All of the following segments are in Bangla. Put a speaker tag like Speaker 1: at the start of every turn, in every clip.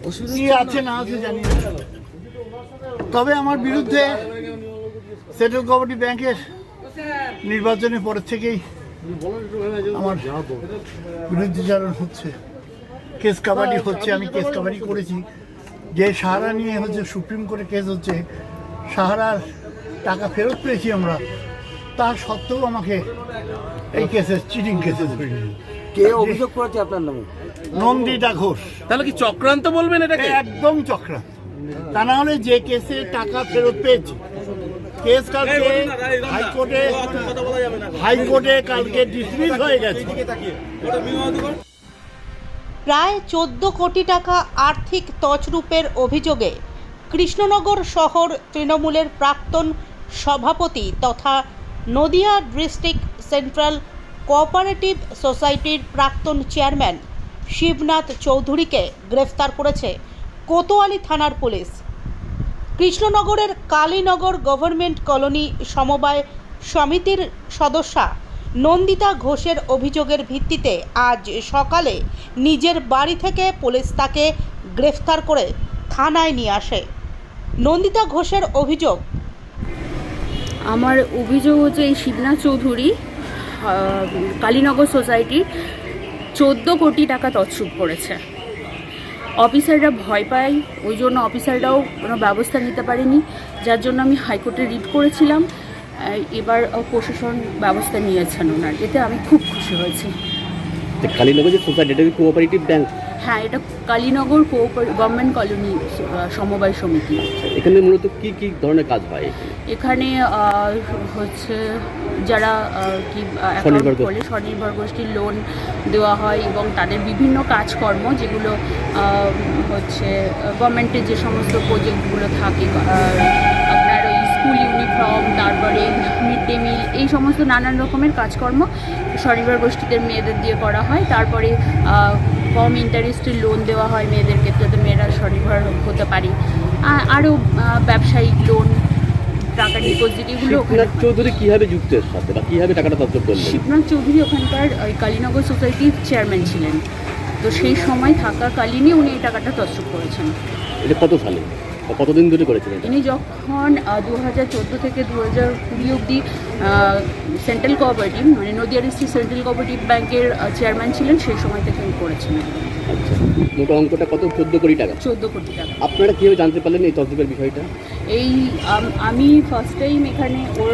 Speaker 1: কি আছে না আছে জানি না। তবে আমার বিরুদ্ধে সেন্ট্রাল কোঅপারেটিভ ব্যাংকের নির্বাচনের পরের থেকেই আমার বিরুদ্ধচারণ হচ্ছে, কেস কাবাডি হচ্ছে। আমি কেস কাবাডি করেছি, যে সাহারা নিয়ে হচ্ছে সুপ্রিম কোর্টে কেস হচ্ছে, সাহারার টাকা ফেরত পেয়েছি আমরা, তার সত্ত্বেও আমাকে এই কেসে চিটিং কেসে ধরে নিল।
Speaker 2: কে অভিযোগ করেছে আপনার নামে?
Speaker 1: নন্দিতা ঘোষ।
Speaker 3: তাহলে কি চক্রান্ত বলবেন এটাকে?
Speaker 1: একদম চক্রান্ত। তা না হলে যে কেসে টাকা ফেরত পেয়েছি, কেস কালকে হাইকোর্টে কালকে ডিসমিস হয়ে গেছে।
Speaker 4: প্রায় 14 কোটি টাকা আর্থিক তছরূপের অভিযোগে কৃষ্ণনগর শহর তৃণমূলের প্রাক্তন সভাপতি তথা নদিয়া ডিস্ট্রিক্ট সেন্ট্রাল কোঅপারেটিভ সোসাইটির প্রাক্তন চেয়ারম্যান শিবনাথ চৌধুরীকে গ্রেফতার করেছে কোতোয়ালি থানার পুলিশ। কৃষ্ণনগরের কালীনগর গভর্নমেন্ট কলোনি সমবায় সমিতির সদস্যা নন্দিতা ঘোষের অভিযোগের ভিত্তিতে আজ সকালে নিজের বাড়ি থেকে পুলিশ তাকে গ্রেফতার করে থানায় নিয়ে আসে। নন্দিতা ঘোষের অভিযোগ,
Speaker 5: আমার অভিযোগ হচ্ছে এই শিবনাথ চৌধুরী কালীনগর সোসাইটির 14 কোটি টাকা তছরূপ করেছে। অফিসাররা ভয় পায়, ওই জন্য অফিসাররাও কোনো ব্যবস্থা নিতে পারেনি, যার জন্য আমি হাইকোর্টে রিট করেছিলাম। এবার প্রশাসন ব্যবস্থা নিয়েছেন ওনার, এতে আমি খুব খুশি হয়েছি।
Speaker 2: কালীনগর যে সোসাইটি, এটা কি কোঅপারেটিভ ব্যাংক?
Speaker 5: হ্যাঁ, এটা কালীনগর গভর্নমেন্ট কলোনি সমবায় সমিতি।
Speaker 2: এখানে মূলত কি কি ধরনের কাজ হয়?
Speaker 5: এখানে হচ্ছে যারা কি অ্যাকাউন্ট খোলে, স্বনির্ভর গোষ্ঠীর লোন দেওয়া হয় এবং তাদের বিভিন্ন কাজকর্ম যেগুলো হচ্ছে গভর্নমেন্টের যে সমস্ত প্রজেক্টগুলো থাকে, আপনার ওই স্কুল ইউনিফর্ম, তারপরে মিড ডে মিল, এই সমস্ত নানান রকমের কাজকর্ম স্বনির্ভর গোষ্ঠীদের মেয়েদের দিয়ে করা হয়। তারপরে কম ইন্টারেস্টের লোন দেওয়া হয় মেয়েদেরকে, যাতে মেয়েরা স্বনির্ভর হতে পারে। আরও ব্যবসায়িক লোন, টাকা ডিপোজিট, এগুলো।
Speaker 2: শিবনাথ চৌধুরী কীভাবে যুক্ত এর সাথে বা কীভাবে টাকাটা তছরূপ করলেন?
Speaker 5: শিবনাথ চৌধুরী ওখানকার ওই কালীনগর সোসাইটির চেয়ারম্যান ছিলেন, তো সেই সময় থাকাকালীনই উনি এই টাকাটা তছরূপ করেছেন।
Speaker 2: এটা কত সালে বা কতদিন ধরে করেছিলেন?
Speaker 5: ইনি যখন 2014 থেকে 2020 অবধি সেন্ট্রাল কোঅপারেটিভ মানে নদিয়া ডিস্ট্রিক্ট সেন্ট্রাল কোঅপারেটিভ ব্যাংকের চেয়ারম্যান ছিলেন, সেই সময় থেকে উনি করেছিলেন।
Speaker 2: আচ্ছা, মোট অঙ্কটা কত? 14 কোটি টাকা।
Speaker 5: 14 কোটি টাকা।
Speaker 2: আপনারা কীভাবে জানতে পারলেন এই তছরূপের বিষয়টা?
Speaker 5: এই আমি ফার্স্ট টাইম এখানে ওর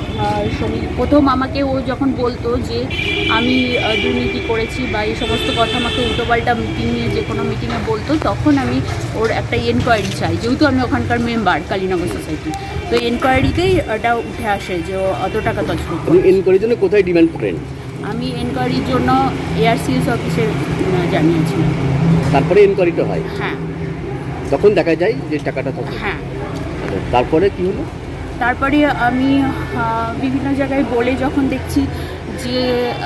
Speaker 5: প্রথম আমাকে ও যখন বলতো যে আমি দুর্নীতি করেছি বা এই সমস্ত কথা আমাকে উল্টোপাল্টা মিটিংয়ে, যে কোনো মিটিংয়ে বলতো, তখন আমি ওর একটা এনকোয়ারি চাই, যেহেতু আমি ওখানকার মেম্বার কালীনগর সোসাইটি। তো এনকোয়ারিতেই ওটা উঠে আসে যে ও অত টাকা তছরূপ।
Speaker 2: এনকোয়ারির জন্য কোথায় ডিমান্ড করেন?
Speaker 5: আমি এনকোয়ারির জন্য ARCS অফিসে জানিয়েছিলাম।
Speaker 2: তারপরে এনকোয়ারিটা হয়?
Speaker 5: হ্যাঁ।
Speaker 2: তখন দেখা যায় যে টাকাটা তছরূপ।
Speaker 5: হ্যাঁ।
Speaker 2: তারপরে কি হলো?
Speaker 5: তারপরে আমি বিভিন্ন জায়গায় বলে যখন দেখছি যে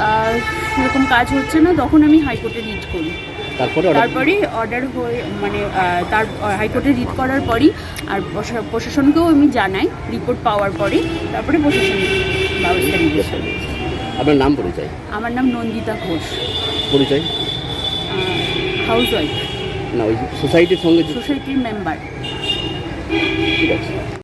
Speaker 5: সেরকম কাজ হচ্ছে না, তখন আমি হাইকোর্টে রিট করি। তারপরে অর্ডার হয়ে মানে তার হাইকোর্টে রিট করার পরই আর প্রশাসনকেও আমি জানাই রিপোর্ট পাওয়ার পরে, তারপরে প্রশাসন ব্যবস্থা নিয়েছে।
Speaker 2: আপনার নাম পরিচয়?
Speaker 5: আমার নাম নন্দিতা ঘোষ।
Speaker 2: পরিচয়?
Speaker 5: Housewife.
Speaker 2: না, ওই সোসাইটির সঙ্গে?
Speaker 5: সোসাইটির মেম্বার।
Speaker 2: ঠিক আছে।